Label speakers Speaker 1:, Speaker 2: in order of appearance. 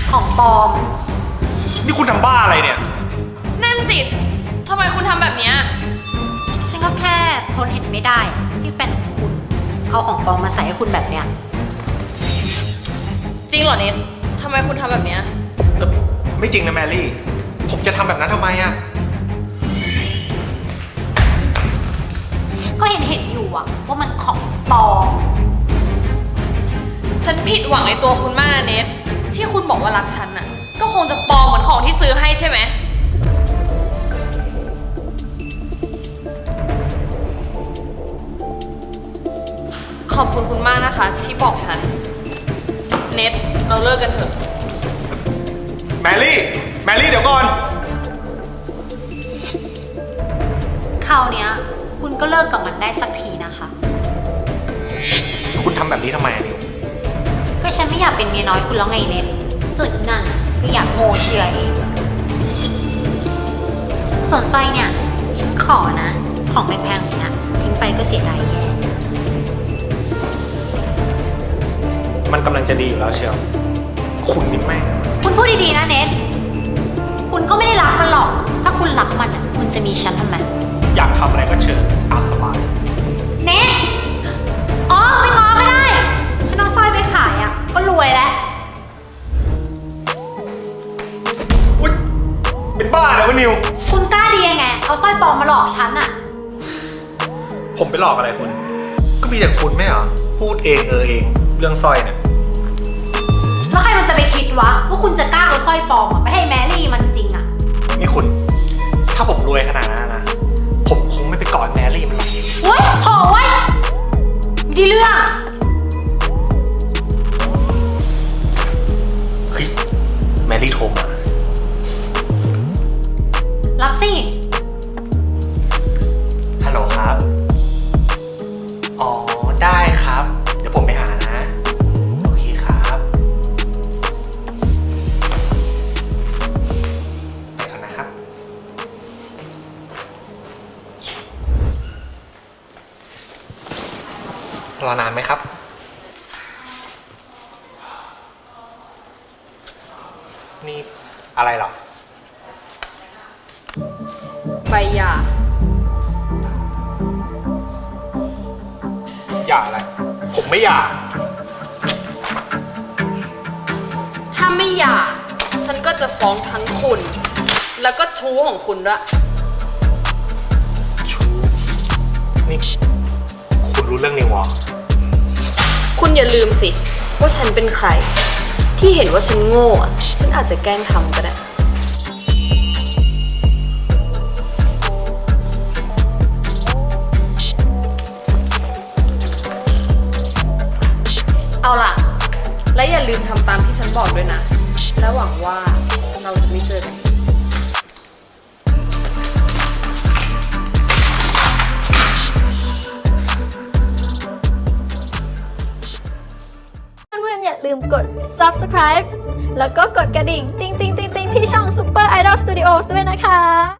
Speaker 1: ของปลอม
Speaker 2: นี่คุณทำบ้าอะไรเนี่ย
Speaker 3: นั่นสิทำไมคุณทำแบบเนี้ย
Speaker 1: ฉันก็แค่ทนเห็นไม่ได้ที่แฟนของคุณเอาของปลอมมาใส่ให้คุณแบบเนี้ย
Speaker 3: จริงเหรอเนททำไมคุณทำแบบเนี้ย
Speaker 2: ไม่จริงนะแมรี่ ผมจะทำแบบนั้นทำไมอะ
Speaker 1: ก็เห็นอยู่อะว่ามันของปลอม
Speaker 3: ฉันผิดหวังในตัวคุณมากนะเนทที่คุณบอกว่ารักฉันน่ะ ก็คงจะปลอมเหมือนของที่ซื้อให้ใช่ไหม ขอบคุณคุณมากนะคะ ที่บอกฉัน เนทเราเลิกกันเถอะ
Speaker 2: แมรี่เดี๋ยวก่อน
Speaker 1: คราวเนี้ยคุณก็เลิกกับมันได้สักทีนะคะ
Speaker 2: คุณทำแบบนี้ทำไมอะนิว
Speaker 1: ก็ฉันไม่อยากเป็นเมียน้อยคุณแล้วไงเน็ตส่วนอีนั่นก็อยากโง่เชื่อเองส่วนสร้อยเนี่ยฉันขอนะ ของแพงๆอย่างเนี้ยทิ้งไปก็เสียดายแย่
Speaker 2: มันกำลังจะดีอยู่แล้วเชียว คุณนี่แม่ง
Speaker 1: คุณพูดดีๆนะเน็ตคุณก็ไม่ได้รักมันหรอก ถ้าคุณรักมันอ่ะคุณจะมีฉันทำไม
Speaker 2: อยากทำอะไรก็เชิญตามสบาย
Speaker 1: เน็ตอ๋อไม่ง้อก็ได้ฉันเอาสร้อยไปขายอ่ะก็รวยแล้ว
Speaker 2: อุ๊ยเป็นบ้าเลยวะนิว
Speaker 1: คุณกล้าดียังไงเอาสร้อยปลอมมาหลอกฉันอ่ะ
Speaker 2: ผมไปหลอกอะไรคุณ ก็มีแต่คุณไม่เหรอ พูดเองเองเรื่องสร้อยเนี่ย
Speaker 1: แล้วใครมันจะไปคิดวะว่าคุณจะกล้าเอาสร้อยปลอมอะไปให้แมรี่มันจริงอ่ะ
Speaker 2: นี่คุณ ถ้าผมรวยขนาดนั้นนะ ผมคงไม่ไปกอดแมรี่มันหรอก
Speaker 1: เว้ยโถ่เว้ยดีเรื่อง
Speaker 2: เฮ้ย แมรี่โทรมา
Speaker 1: รับสิ
Speaker 2: ฮัลโหลครับ อ๋อ ได้ครับ เดี๋ยวผมไปหานะ โอเคครับไปก่อนนะครับ รอนานไหมครับ นี่อะไรหรอ
Speaker 3: ใบหย่า
Speaker 2: อย่าอะไร ผมไม่อยาก
Speaker 3: ถ้าไม่หย่า ฉันก็จะฟ้องทั้งคุณ แล้วก็ชู้ของคุณด้วย
Speaker 2: ชูนี่คุณรู้เรื่องนิวเหรอ
Speaker 3: คุณอย่าลืมสิ ว่าฉันเป็นใคร ที่เห็นว่าฉันโง่อะฉันอาจจะแกล้งทำก็ได้ เอาล่ะ และอย่าลืมทำตามที่ฉันบอกด้วยนะ และหวังว่าเราจะไม่เจอกัน
Speaker 4: เพื่อนๆอย่าลืมกด subscribe แล้วก็กดกระดิ่ง ติ๊งๆๆๆที่ช่อง Super Idol Studios ด้วยนะคะ